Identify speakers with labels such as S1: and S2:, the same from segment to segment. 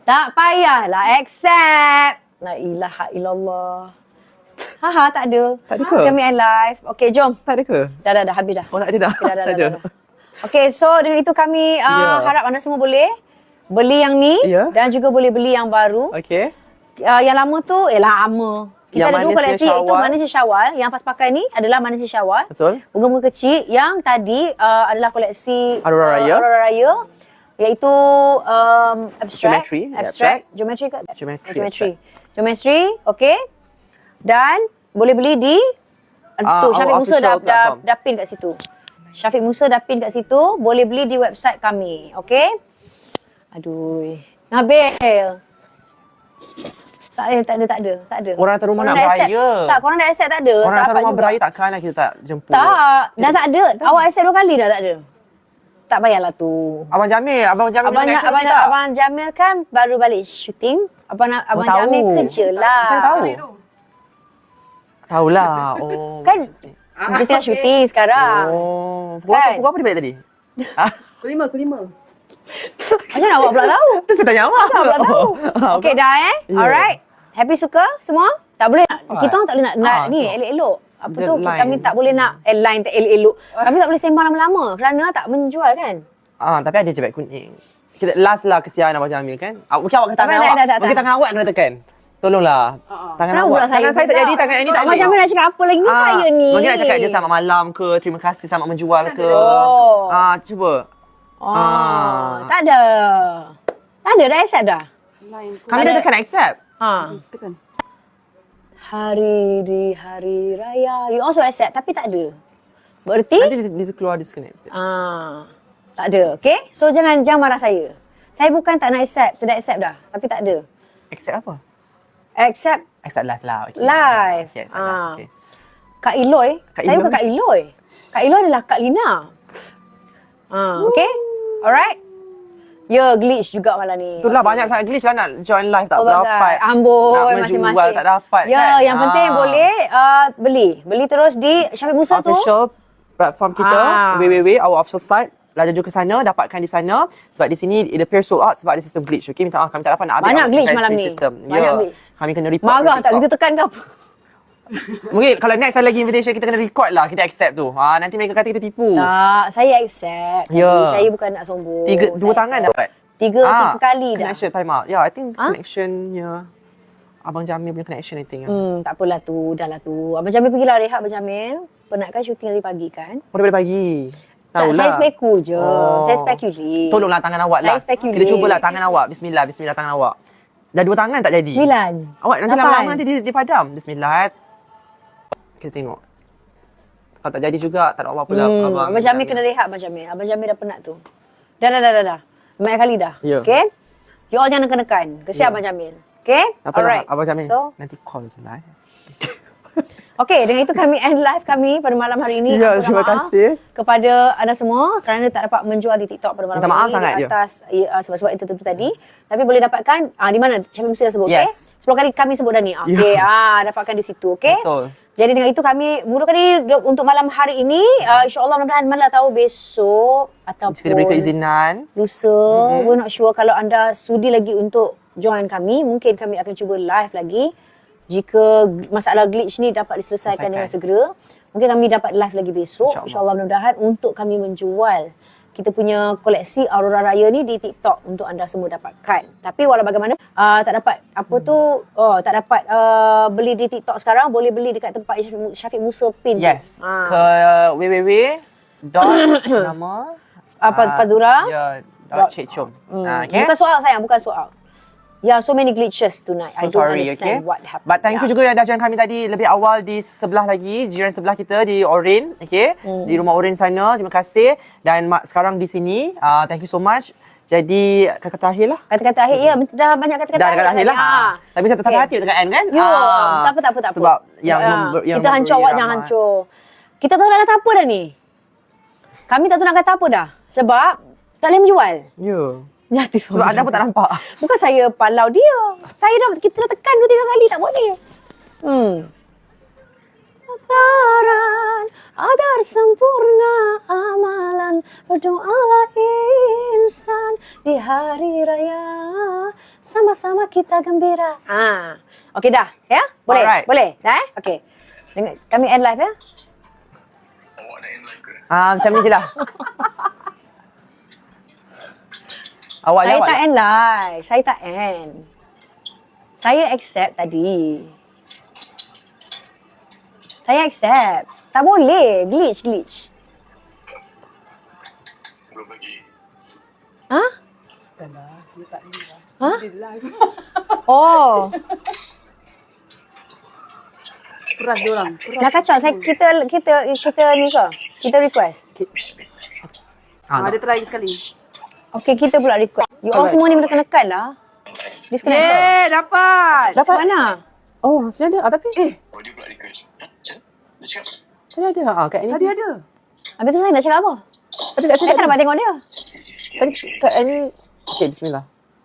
S1: Tak payahlah accept. La ilaha illallah. Haha, tak ada.
S2: Tak ada ke?
S1: Kami live. Okey, jom.
S2: Tak ada ke?
S1: Dah, habis dah.
S2: Oh, tak ada dah.
S1: Okay, dah.
S2: Tak ada.
S1: Okey, so dengan itu kami harap anda semua boleh beli yang ni dan juga boleh beli yang baru.
S2: Okey.
S1: Yang lama tu, lama. Kita
S2: Yang
S1: ada dua koleksi,
S2: Syawal.
S1: iaitu Manisnya Syawal. Yang Faz pakai ni adalah Manisnya Syawal.
S2: Betul.
S1: Bunga-bunga kecil. Yang tadi adalah koleksi
S2: Aurora Raya.
S1: Aurora Raya. Iaitu abstract.
S2: Geometry.
S1: Abstract. Geometry ke?
S2: Geometry.
S1: Geometry, okey. Dan boleh beli di Syafiq Musa dah pin kat situ. Syafiq Musa dah pin kat situ. Boleh beli di website kami. Okey. Aduh. Nabil. Tak ada.
S2: Orang datang rumah nak beraya.
S1: Tak, korang dah accept tak ada.
S2: Orang datang rumah beraya takkanlah kita tak jemput.
S1: Tak, dah tak ada. Awak accept 2 kali dah tak ada. Tak payahlah tu.
S2: Abang Jamil connection kita.
S1: Abang Jamil kan baru balik syuting. Abang Jamil kerja lah.
S2: Saya tahu. Tahulah. Oh.
S1: Kan dia tengah syuting sekarang.
S2: Oh.
S1: Kan?
S2: Pukul apa dia balik tadi?
S3: Pukul 5.
S1: Macam mana awak pula tahu?
S2: Tu saya tanya awak.
S1: Macam pula tahu? Okey dah Alright. Happy suka semua? Tak boleh. Kita orang tak boleh nak ni elok-elok. Apa tu? Kami tak boleh nak line tak elok-elok. Kami tak boleh sembang lama-lama kerana tak menjual kan?
S2: Tapi ada je beg kuning. Kita last lah kesian Abang Jamil kan. Okey awak ke tangan awak. Okey tangan awak kena tekan. Tolonglah. Tangan awak. Tangan saya tak jadi, tangan ini tak jadi.
S1: Abang Jamil nak cakap apa lagi ni saya ni?
S2: Mungkin nak cakap je selamat malam ke, terima kasih selamat menjual ke. Cuba.
S1: Tak ada. Tak ada dah accept dah.
S2: Kami dah tekan accept.
S3: Tekan.
S1: Hari di hari raya. You also accept tapi tak ada. Berarti?
S2: Nanti dia keluar disconnected.
S1: Tak ada. Okay? So jangan marah saya. Saya bukan tak nak accept. Sudah accept dah. Tapi tak ada.
S2: Accept apa?
S1: Accept
S2: live lah. Okay.
S1: Live.
S2: Okay, live. Okay.
S1: Kak Iloy. Saya bukan Kak Iloy. Kak Iloy adalah Kak Lina. Okay? Alright? Ya, glitch juga malam ni.
S2: Itulah banyak sangat glitch lah nak join live tak dapat.
S1: Amboi,
S2: nak menjual
S1: masing-masing.
S2: tak dapat
S1: ya,
S2: kan.
S1: Yang penting boleh beli terus di Syafiq Musa tu.
S2: Official platform kita, www, our official site. Laju ke sana, dapatkan di sana. Sebab di sini, it appears sold out sebab ada sistem glitch. Okay, minta maaf, kami tak dapat nak ambil.
S1: Banyak glitch malam ni.
S2: Banyak glitch. Kami kena report.
S1: Marah tak kita tekan ke apa?
S2: Mungkin kalau next ada lagi invitation, kita kena record lah. Kita accept tu. Nanti mereka kata kita tipu.
S1: Tak, saya accept. Saya bukan nak sombong.
S2: 2 tangan dapat.
S1: 3 kali dah.
S2: Connection time out. I think connectionnya Abang Jamil punya connection I think.
S1: Tak apalah tu, dah lah tu. Abang Jamil pergilah rehat Abang Jamil. Penat kan syuting dari pagi kan?
S2: Daripada pagi.
S1: Tak, saya speku je. Saya speculate.
S2: Tolonglah tangan awak lah. Kita cubalah tangan awak. Bismillah tangan awak. Dah 2 tangan tak jadi.
S1: 9.
S2: Awak nanti lama-lama nanti dia padam. Bismillah. Kita tengok. Kalau tak jadi juga, tak ada apa-apa lah.
S1: Abang Jamil kena rehat Abang Jamil. Abang Jamil dah penat tu. Dah. Banyak kali dah. Okay? You all jangan nekan. Kesian Abang Jamil. Okay? Alright.
S2: Abang Jamil,
S1: so,
S2: nanti call je lah.
S1: Okey, dengan itu kami end live kami pada malam hari ini.
S2: Ya, terima kasih
S1: kepada anda semua kerana tak dapat menjual di TikTok pada malam
S2: hari ini.
S1: Minta maaf sangat je. Atas sebab-sebab itu tentu tadi. Tapi boleh dapatkan di mana? Syafiq Musa dah sebut, okey? 10 kali kami sebut dah ni. Okey, dapatkan di situ, okey?
S2: Betul.
S1: Jadi dengan itu kami mulakan diri untuk malam hari ini. InsyaAllah mudah-mudahan mana tahu besok ataupun
S2: jika diberi keizinan
S1: lusa. We're not sure kalau anda sudi lagi untuk join kami. Mungkin kami akan cuba live lagi. Jika masalah glitch ni dapat diselesaikan dengan segera, mungkin kami dapat live lagi besok. InsyaAllah mudah-mudahan untuk kami menjual kita punya koleksi Aurora Raya ni di TikTok untuk anda semua dapatkan. Tapi walau bagaimana tak dapat tak dapat beli di TikTok sekarang, boleh beli dekat tempat Syafiq Musa pin.
S2: Yes. Ke www. nama
S1: Fazura.
S2: Cik Chom. Okay.
S1: Bukan soal sayang, bukan soal. So many glitches tonight. I don't understand what happened.
S2: But thank you juga yang dah join kami tadi lebih awal di sebelah lagi, jiran sebelah kita di Orin, okay? Di rumah Orin sana. Terima kasih. Dan sekarang di sini, thank you so much. Jadi kata-kata akhir lah.
S1: Kata-kata akhir, ya. Dah banyak kata-kata
S2: akhir. Dah kata akhir lah. Tapi saya tersakit hati dekat end kan?
S1: Tak apa.
S2: Sebab yang
S1: kita hancur awak, jangan hancur. Kita tahu nak kata apa dah ni? Kami tak tahu nak kata apa dah. Sebab tak boleh menjual.
S2: Ya.
S1: Justice
S2: sebab anda pun tak nampak.
S1: Bukan saya palau dia. Kita dah tekan 2-3 kali tak boleh. Lebaran agar sempurna amalan, berdoalah insan di hari raya Sama-sama kita gembira. Okey dah, ya? Boleh?
S2: Alright.
S1: Boleh? Dah Okey. Kami end live ya?
S2: Macam ni je lah. Awak je,
S1: Saya
S2: awak
S1: tak
S2: je.
S1: end live. Saya tak end. Saya accept tadi. Saya accept. Tak boleh. Glitch.
S4: Belum lagi.
S1: Ha?
S3: Tak lah, dia tak ni lah.
S1: Ha?
S3: Dia live.
S1: Oh.
S3: Peras diorang.
S1: Dah kacau. Kita ni ke? Kita request.
S3: Dia try lagi sekali.
S1: Okey, kita pula request. You all semua ni menekan-nekan lah. Disconnect.
S3: Dapat.
S1: Dapat mana?
S2: Oh, masih ada. Tapi
S4: Oh, dia pula request. Dia cakap,
S2: tadi ada. Kat ni.
S3: Tadi ada.
S1: Habis tu saya nak cakap apa?
S2: Tapi kat sini
S1: Saya tak dapat tengok dia.
S2: Tadi kat ni. Okey, bismillah.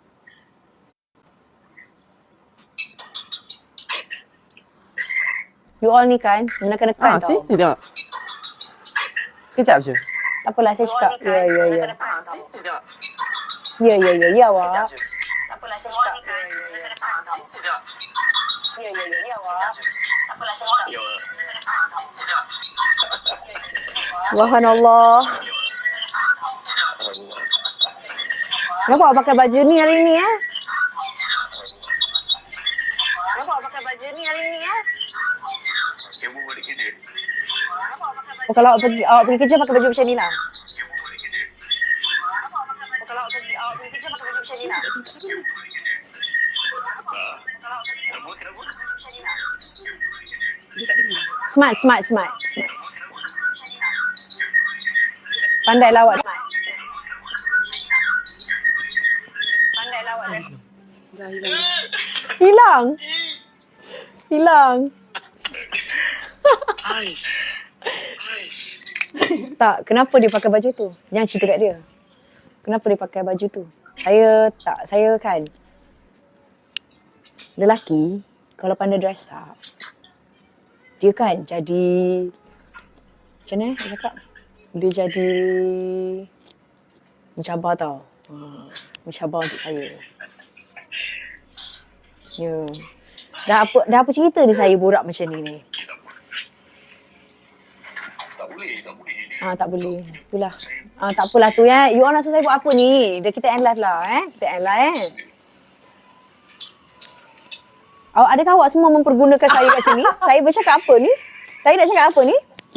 S1: You all ni kan menekan-nekan tau.
S2: Sini tengok. Sekejap je.
S1: Tak apalah saya cakap. Ya.
S2: Sini tengok.
S1: Ya awak.
S2: Tak apalah saya cakap. Sini tengok.
S1: Ya awak.
S4: ya,
S1: Subhanallah. Kenapa awak pakai baju ni hari ni Kenapa awak pakai baju ni hari ni
S4: saya pun balik kerja.
S1: Oh, kalau awak pergi kerja pakai baju macam ni lah.
S4: Saya pun balik kerja.
S1: Oh, kalau awak pergi kerja pakai baju macam ni lah.
S4: Kenapa?
S1: Smart. Pandai lah awak.
S3: Dah hilang.
S1: Hilang.
S4: Aish.
S1: Tak, kenapa dia pakai baju tu? Jangan cerita kat dia. Kenapa dia pakai baju tu? Saya kan lelaki kalau pandai dress up, dia kan jadi macam mana nak cakap? Dia jadi mencabar tau. Mencabar untuk saya. Ya. Dah apa cerita ni saya borak macam ni?
S4: Tak boleh.
S1: Tak boleh. Itulah. Tak apalah tu ya. You all nak suruh saya buat apa ni? Kita end live lah Kita end live Adakah awak semua mempergunakan saya kat sini? Saya bercakap apa ni? Saya nak cakap apa ni?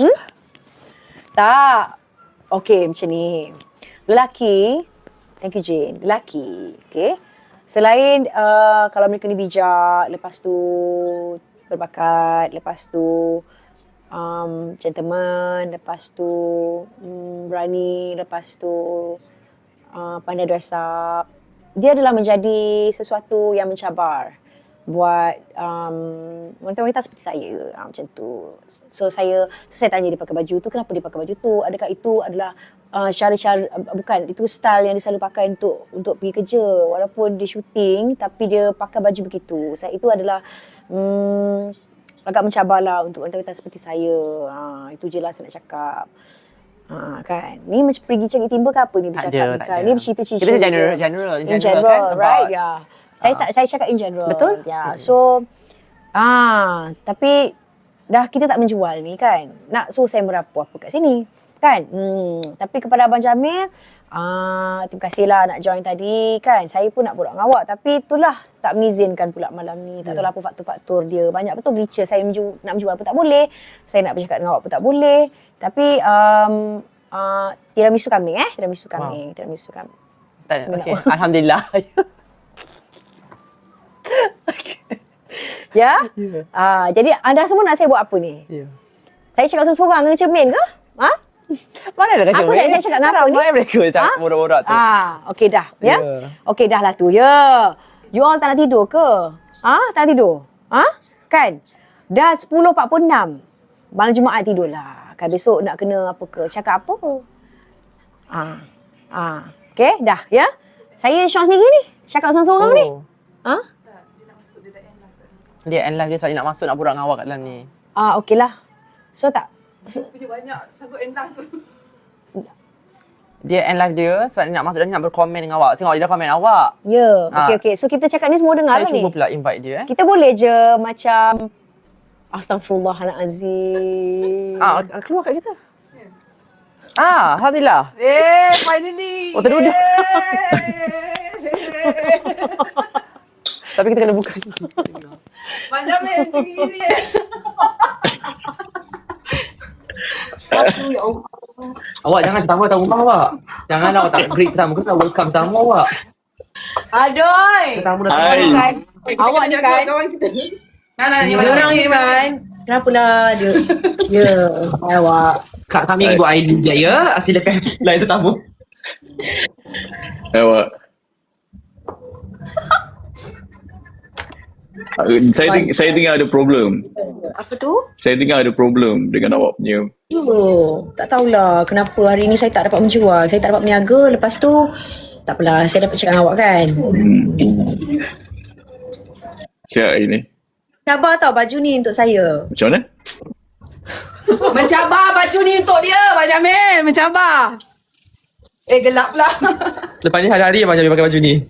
S1: Tak. Okey, macam ni. Lelaki. Thank you Jane. Lelaki. Okay. Selain kalau mereka ni bijak, lepas tu berbakat, lepas tu gentleman, lepas tu berani, lepas tu pandai dress up. Dia adalah menjadi sesuatu yang mencabar buat wanita-wanita seperti saya, macam tu. So saya tanya dia pakai baju tu, kenapa dia pakai baju tu? Adakah itu adalah cara-cara, bukan, itu style yang dia selalu pakai untuk pergi kerja walaupun dia syuting, tapi dia pakai baju begitu. Itu adalah agak mencabarlah untuk wanita-wanita seperti saya. Itu je lah saya nak cakap. Kan. Ni macam pergi cari timba ke apa ni bercakap ni kan. Ni bercerita-cerita.
S2: Kita general kan.
S1: Right, ya. Saya cakap in general.
S2: Betul?
S1: Ya. So tapi dah kita tak menjual ni kan. Nak suruh saya merapu apa kat sini. Kan? Tapi kepada Abang Jamil, terima kasihlah nak join tadi kan. Saya pun nak borak dengan awak, tapi itulah tak mengizinkan pula malam ni. Tak tahu apa faktor-faktor dia. Banyak betul glitcher. Saya nak menjual pun tak boleh. Saya nak bercakap dengan awak pun tak boleh. Tapi tiramisu kambing Tiramisu kambing.
S2: Tak ada. Okey. Alhamdulillah.
S1: Ya? Jadi anda semua nak saya buat apa ni?
S2: Ya.
S1: Saya cakap seorang-seorang dengan cermin ke?
S2: Mana ada kacau?
S1: Apa saya cakap dengan apa ni?
S2: Ramai mereka cakap borak-borak tu.
S1: Okey dah. Ya?
S2: Ya.
S1: Okey dah lah tu. Ya. You all tak nak tidur ke? Tak nak tidur? Kan? Dah 10.46. Malam Jumaat tidurlah. Kan besok nak kena apa ke? Cakap apa? Okey dah. Ya? Saya Sean sendiri ni. Cakap seorang-seorang ni.
S2: Dia end live dia sebab dia nak masuk nak borak dengan awak kat dalam ni.
S1: Okey lah. So tak.
S3: Punya banyak sanggup end live tu.
S2: dia end live dia sebab dia nak masuk dan dia nak berkomen dengan awak. Tengok dia dah komen awak.
S1: Ya, okey. So kita cakap ni semua dengar
S2: Saya
S1: lah ni.
S2: cuba pula invite dia.
S1: Kita boleh je macam Astaghfirullahalazim.
S2: Keluar kat kita. Alhamdulillah.
S3: Finally.
S2: Oh, terduduk. Tapi kita kena buka.
S3: Macam macam gini.
S2: Awak jangan pertama tahu rumah awak. Jangan awak tak greet pertama. Kita welcome pertama awak.
S3: Adoy.
S2: Pertama dah
S5: Hai.
S2: tahu.
S3: Kan. Awak ni kan kawan kita. Nah, ni orang ni kan.
S1: Kenapa lah dia? Ya, awak.
S2: Kak kami ibu ID dia ya. Silakan lain tetamu.
S5: Awak. Saya dengar ada problem.
S1: Apa tu?
S5: Saya dengar ada problem dengan awak punya.
S1: Tak tahulah kenapa hari ni saya tak dapat menjual. Saya tak dapat berniaga. Lepas tu, tak apalah. Saya dapat cakap dengan awak kan.
S5: Siap hari ni.
S1: Sabar tau baju ni untuk saya.
S5: Macam mana?
S3: Mencabar baju ni untuk dia, Abang Jamil. Mencabar. Gelap pula.
S2: Lepas ni hari-hari Abang Jamil pakai baju ni.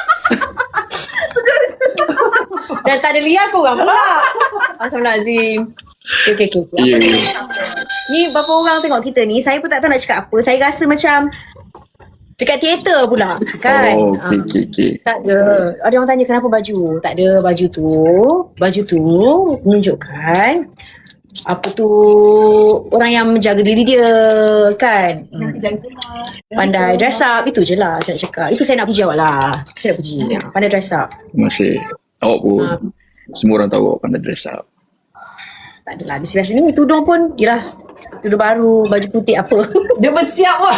S1: Dan tak ada liar korang pula. Astagfirullahalazim. Okay.
S5: Ya.
S1: Ni berapa orang tengok kita ni, saya pun tak tahu nak cakap apa. Saya rasa macam dekat teater pula kan.
S5: Oh, okey.
S1: Tak ada. Ada orang tanya kenapa baju. Tak ada baju tu menunjukkan apa tu orang yang menjaga diri dia kan. Pandai dress up. Itu je lah saya nak cakap. Itu saya nak puji awak lah. Saya nak puji. Pandai dress up.
S5: Masih. Awak pun semua orang tahu awak pandai dress up.
S1: Tak adalah. Biasa-biasa ni tudung pun yelah. Tudung baru, baju putih apa.
S3: Dia bersiap wah.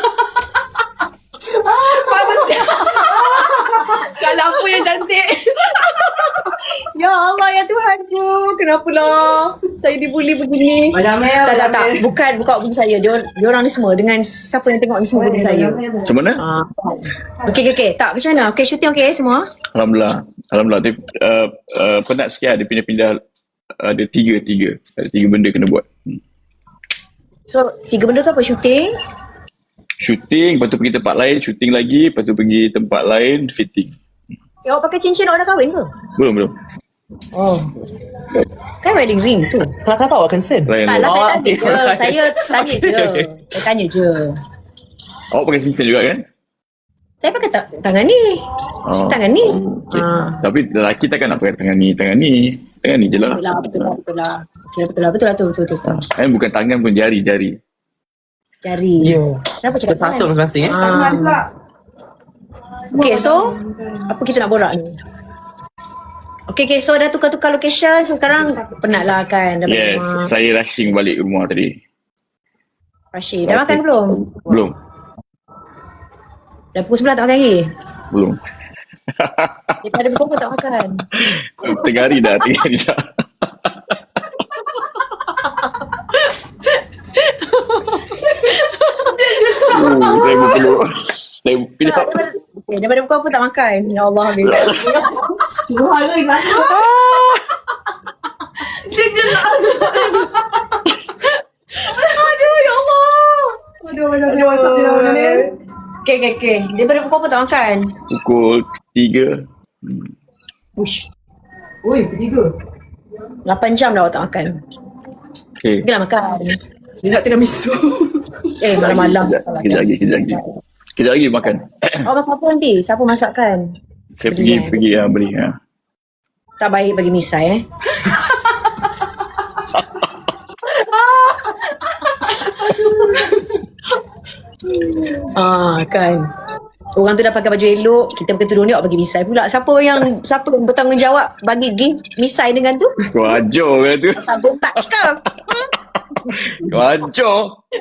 S3: Bersiap. Kalau apa yang cantik.
S1: Ya Allah ya Tuhanku. Kenapalah saya dibuli begini?
S3: Abang Jamil.
S1: Tak. Bukan buku saya. Dia orang ni semua. Dengan siapa yang tengok ni semua buku saya.
S5: Macam mana?
S1: Okey. Tak macam mana? Okey, syuting okey semua?
S5: Alhamdulillah. Dia penat sikit dia pindah-pindah. Ada tiga. Ada tiga benda kena buat.
S1: So, 3 benda tu apa? Syuting?
S5: Shooting, lepas tu pergi tempat lain, shooting lagi, lepas tu pergi tempat lain, fitting.
S1: Awak pakai cincin awak dah kahwin ke?
S5: Belum.
S1: Oh. Kan wedding ring tu.
S2: Kenapa awak concern?
S5: Lain.
S1: Taklah saya tanya
S2: okey.
S1: je. Saya tanya je.
S5: Okey.
S1: Saya tanya je.
S5: Awak pakai cincin juga kan?
S1: Saya pakai tangan ni. Tangan ni.
S5: Okay. Tapi lelaki takkan nak pakai tangan ni. Tangan ni je lah.
S1: Betul lah. Okay, betul lah tu.
S5: Bukan tangan pun, jari.
S1: Jari.
S2: Ya.
S1: Kenapa cakap
S2: Terpasung masing-masing
S1: Okay, so apa kita nak borak ni? Okay, so dah tukar-tukar location. So sekarang penat lah kan? Dah balik
S5: Yes,
S1: rumah.
S5: saya rushing balik rumah tadi.
S1: Rashid, dah makan ke belum?
S5: Belum.
S1: Dah pukul 11 tak makan lagi?
S5: Belum.
S1: Daripada pukul tak makan?
S5: 3 hari dah. Saya berpeluk. Saya kejap.
S1: Okay, daripada pukul apa tak makan? Ya Allah, habis.
S3: Dia gelap.
S1: Aduh, ya Allah.
S3: Aduh, macam WhatsApp dia Abang Jamil.
S1: Okay. Daripada pukul apa tak makan?
S5: Pukul 3.
S1: Ush,
S3: Ui, ketiga.
S1: 8 jam dah awak tak makan.
S5: Okay.
S1: Pergilah makan.
S3: Dia nak tiramisu.
S1: Malam-malam.
S5: Kejap lagi makan.
S1: Awak makan apa nanti? Siapa masakkan?
S5: Saya
S1: Beli,
S5: pergi beli.
S1: Tak baik bagi misai kan. Orang tu dah pakai baju elok, kita pakai tudung ni awak bagi misai pula. Siapa yang bertanggungjawab bagi gift misai dengan tu?
S5: Kau ajar kan tu.
S1: Tak touch ke?
S5: Kau ajar.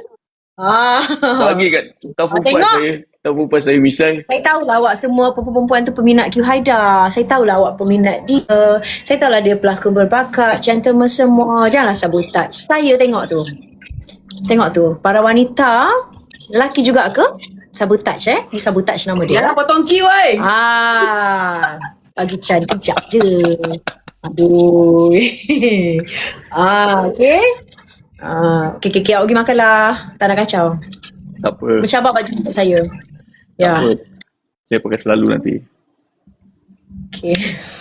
S5: Bagi kat tahu perempuan saya misai.
S1: Saya tahulah awak semua perempuan tu peminat Q Haidar. Saya tahulah awak peminat dia. Saya tahulah dia pelakon berbakat, gentleman semua. Janganlah sabotage. Saya tengok tu. Para wanita, lelaki juga ke? Sabotage Ni sabotage nama dia.
S3: Jangan potong Q oi.
S1: Bagi Chan kejap je. Aduh. Okay. Okay, awak pergi makan lah. Tak nak kacau.
S5: Tak apa.
S1: Mencabar baju untuk saya.
S5: Tak apa. Saya pakai selalu nanti.
S1: Okay.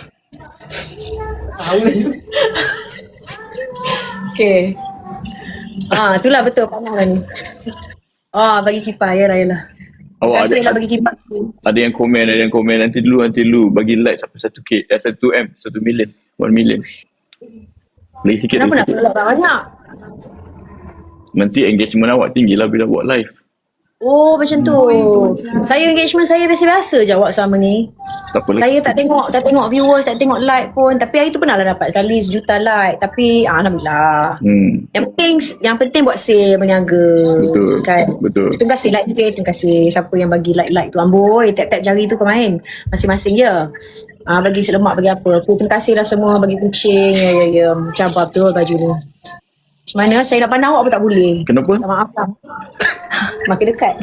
S1: Okay. Itulah betul panas lah ni. Bagi kipas, yalah.
S5: Awak
S1: Terima kasih lah bagi kipas tu.
S5: ada yang komen nanti dulu bagi like sampai 1k 1M 1 million 1 million. Lagi sikit.
S1: Kenapa nak like banyak?
S5: Nanti engagement awak tinggi lah bila buat live.
S1: Oh, macam tu. Saya engagement saya biasa-biasa je awak selama ni.
S5: Tak apa lagi.
S1: Saya tak tengok viewers, tak tengok like pun. Tapi hari tu pernah lah dapat sekali 1 juta like. Tapi Alhamdulillah. Yang penting buat sale, berniaga.
S5: Betul.
S1: Kan?
S5: Betul.
S1: Terima kasih like juga. Terima kasih siapa yang bagi like tu. Amboi, tap-tap jari tu kau main. Masing-masing je. Bagi selemak, bagi apa. Terima kasih lah semua bagi kucing. Ya. Cabar betul baju ni. Macam mana? Saya nak pandang awak pun tak boleh.
S5: Kenapa?
S1: Tak maaf lah. Makin dekat.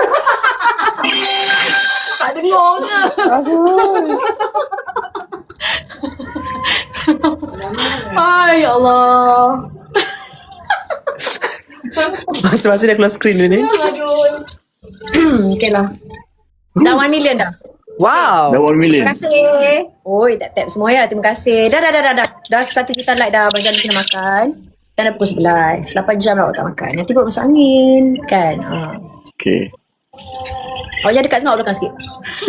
S1: Tak dengar ke? Ay, ya Allah.
S2: Masa-masa dia close screen ni.
S1: Okay lah. Dah 1 million dah.
S2: Wow.
S5: Dah 1 million.
S1: Terima kasih. Oi, tap semua ya. Terima kasih. Dah. Dah 1 juta like dah. Abang Jam kena makan. Dan dah pukul 11. 8 jam lah awak tak makan. Nanti perut masuk angin. Kan?
S5: Okay.
S1: Awak jangan dekat sangat, awak belakang sikit.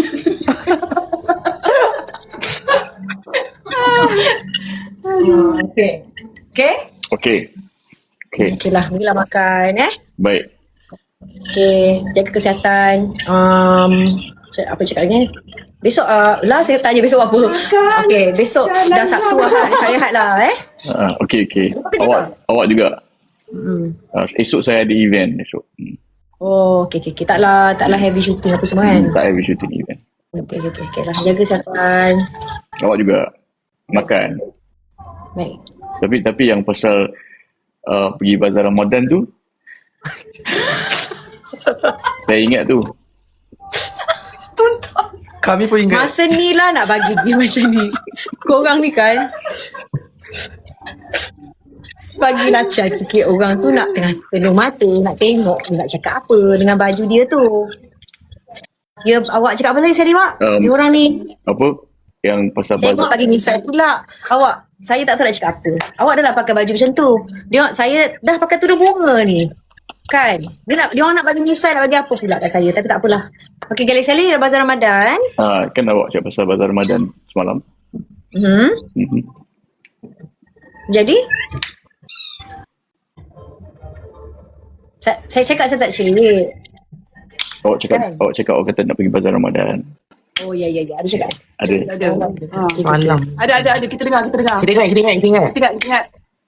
S1: Okay. Okay?
S5: Okay. Okay.
S1: Okay lah. Pergilah makan
S5: Baik.
S1: Okay. Jaga kesihatan. Apa cakap lagi? Besok saya tanya besok apa. Okay. Besok dah Sabtu Ahad lah
S5: Okay.
S1: Apa
S5: Awak juga. Esok saya ada event esok.
S1: Oh, okay. Taklah heavy shooting apa semua kan?
S5: Tak heavy shooting event.
S1: Okay lah. Jaga kesihatan.
S5: Awak juga makan.
S1: Baik.
S5: Tapi yang pasal pergi bazar Ramadan tu saya ingat tu.
S2: Kami pun ingat.
S1: Masa ni lah nak bagi dia macam ni. Korang ni kan bagi lacar sikit orang tu nak tengah penuh mata, nak tengok dia nak cakap apa dengan baju dia tu. Ya, awak cakap apa tadi Sari Mak? Dia orang ni
S5: Apa? Yang pasal
S1: tengok bagi misal pula. Saya tak tahu nak cakap apa. Awak dah lah pakai baju macam tu. Saya dah pakai tudung bunga ni. Kan? Dia orang nak bagi misal, nak bagi apa pula kat saya. Tapi tak apalah. Okey, Gali-Sali bazar Ramadan.
S5: Kan awak cakap pasal bazar Ramadan semalam.
S1: Jadi? Saya cakap saya tak cerit.
S5: Awak cakap awak kata nak pergi bazar Ramadan.
S1: Oh, ya. Ada cakap?
S5: Ada.
S2: Semalam.
S3: Ada. Kita dengar.
S2: Kita ingat.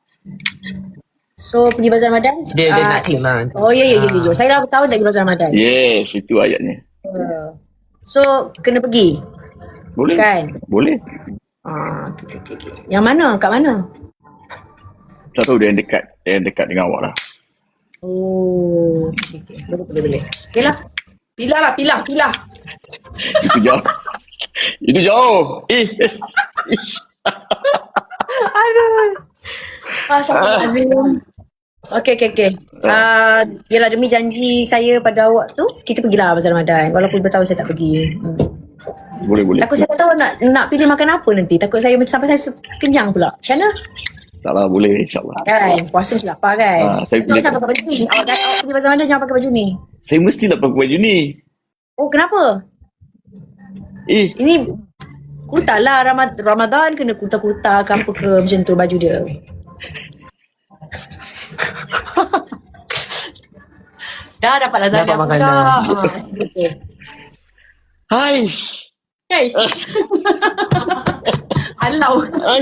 S1: So, pergi bazar Ramadan?
S2: Dia nak claim lah.
S1: Oh, ya. Saya dah tahu tak pergi bazar Ramadan.
S5: Yes, itu ayatnya.
S1: So, kena pergi?
S5: Boleh.
S1: Kan?
S5: Boleh.
S1: Okay. Yang mana? Kat mana?
S5: Tak tahu dia yang dekat dengan awak lah.
S1: Oh, okay. Boleh. Okay lah.
S3: Pilah.
S5: Itu jauh. Itu jauh.
S1: Astagfirullahalazim. Okay. Yelah, demi janji saya pada awak tu, kita pergilah bazar Ramadan. Walaupun bertahu saya tak pergi.
S5: Boleh.
S1: Takut saya tak tahu nak pilih makan apa nanti. Takut saya sampai saya kenyang pula. Macam mana?
S5: Taklah, boleh insyaAllah.
S1: Kan? Puasa mesti lapar kan?
S5: Saya
S1: Jangan sampai pakai baju ni. Awak pergi bazar Ramadan jangan pakai baju ni.
S5: Saya mestilah pakai baju ni.
S1: Oh, kenapa? Ini kuta lah. Ramadan kena kuta-kuta ke apa ke macam tu baju dia. Dah dapat lasagne
S2: Dapat
S1: pula. Okay.
S5: Hai.
S1: Hey. Alau.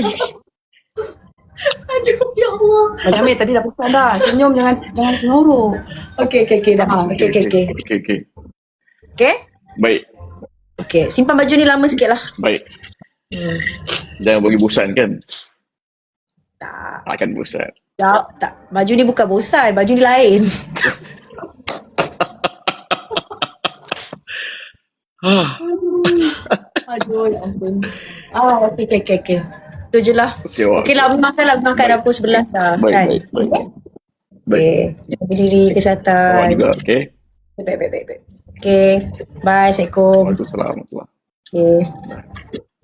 S1: Aduh, ya Allah.
S3: Macam Amir tadi dah pesan dah. Senyum jangan senoroh.
S1: Okay. Dah. Okay.
S5: Okay.
S1: Okay?
S5: Baik.
S1: Okay. Simpan baju ni lama sikit lah.
S5: Baik. Jangan bagi bosan kan?
S1: Tak.
S5: Akan bosan.
S1: Tak. Baju ni bukan bosan. Baju ni lain. Aduh, ya ampun. Okay. Itu je lah. Okay lah, makan dah pukul 11 dah.
S5: Baik.
S1: Okay. Jaga diri,
S5: Awak
S1: kesihatan.
S5: juga, okay?
S3: Baik. Okay. Bye. Assalamualaikum.
S5: Waalaikumsalam warahmatullahi.
S3: Okay.